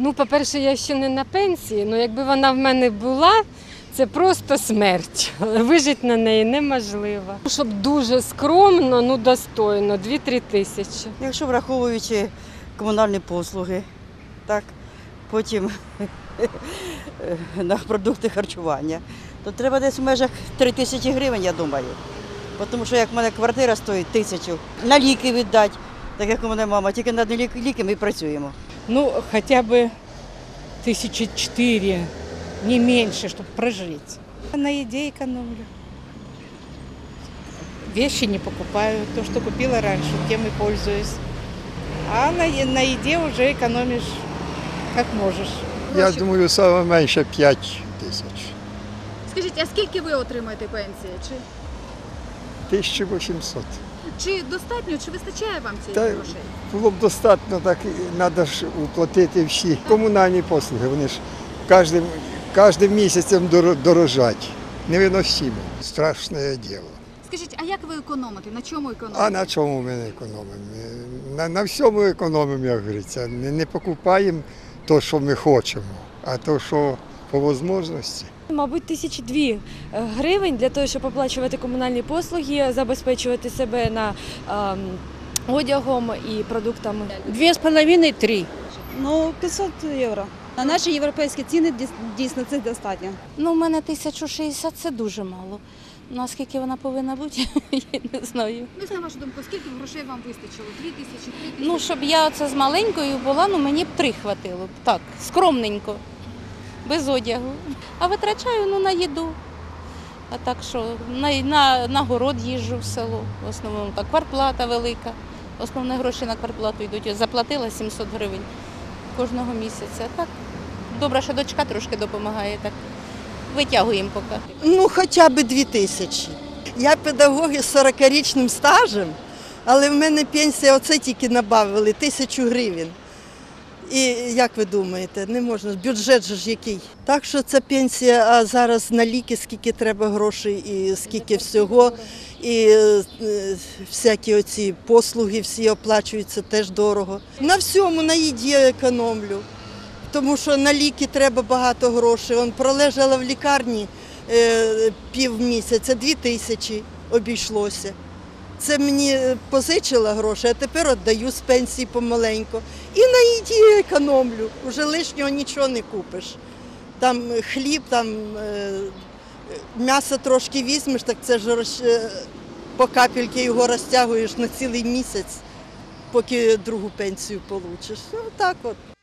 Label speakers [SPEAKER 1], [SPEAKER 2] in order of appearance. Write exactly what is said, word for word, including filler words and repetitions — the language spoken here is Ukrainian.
[SPEAKER 1] Ну, по-перше, я ще не на пенсії, але якби вона в мене була, це просто смерть. Вижити на неї неможливо. Щоб дуже скромно, ну достойно, дві-три тисячі.
[SPEAKER 2] Якщо враховуючи комунальні послуги, так, потім на продукти харчування, то треба десь в межах три тисячі гривень, я думаю. Тому що як в мене квартира стоїть тисячу, на ліки віддати, так як у мене мама, тільки на одні ліки ми працюємо.
[SPEAKER 3] Ну, хотя бы тысячи четыре, не меньше, чтобы прожить. На еде экономлю. Вещи не покупаю. То, что купила раньше, тем и пользуюсь. А на, е- на еде уже экономишь как можешь.
[SPEAKER 4] Я думаю, саме менше п'ять тисяч.
[SPEAKER 5] Скажіть, а скільки ви отримаєте пенсії? Чи,
[SPEAKER 4] тисяча вісімсот.
[SPEAKER 5] чи достатньо, чи вистачає вам цієї
[SPEAKER 4] Та
[SPEAKER 5] грошей?
[SPEAKER 4] було б достатньо, так треба ж уплатити всі комунальні послуги. Вони ж кожним, кожним місяцем доро- дорожать. Невиносимо. Страшне діло.
[SPEAKER 5] Скажіть, а як ви економите? На чому економите?
[SPEAKER 4] А на чому ми не економимо? На, на всьому економимо, як говориться. Не, не покупаємо те, що ми хочемо, а те, що по можливості.
[SPEAKER 6] Мабуть, тисячі дві гривень для того, щоб оплачувати комунальні послуги, забезпечувати себе на ем, одягом і продуктами.
[SPEAKER 3] Две с половиной, три.
[SPEAKER 7] Ну, п'ятсот євро. На наші європейські ціни дійсно це достатньо.
[SPEAKER 8] Ну, у мене тисяча шістдесят – це дуже мало. Наскільки вона повинна бути, я не знаю.
[SPEAKER 5] Ну, на вашу думку, скільки грошей вам вистачило? Дві тисячі, три тисячі?
[SPEAKER 8] Ну, щоб я оце з маленькою була, ну мені б три хватило б. Так, скромненько, без одягу. А витрачаю ну, на їду. А так що, на, на, на город їжджу в село. В основному так, квартплата велика. Основні гроші на квартплату йдуть. Я заплатила сімсот гривень кожного місяця. Так, добре, що дочка трошки допомагає. Так, витягуємо поки.
[SPEAKER 9] Ну, хоча б дві тисячі. Я педагог із сорокарічним стажем, але в мене пенсія оце тільки набавили, тисячу гривень. І як ви думаєте, не можна, бюджет же ж який. Так що це пенсія, а зараз на ліки скільки треба грошей і скільки всього. І е, всякі оці послуги всі оплачуються теж дорого. На всьому, на їді економлю. Тому що на ліки треба багато грошей. Он пролежала в лікарні е, півмісяця, дві тисячі обійшлося. Це мені позичила гроші, а тепер віддаю з пенсії помаленьку. І на їді економлю, вже лишнього нічого не купиш. Там хліб, там е, м'ясо трошки візьмеш, так це ж е, по капельки його розтягуєш на цілий місяць, поки другу пенсію получиш. Ну так от.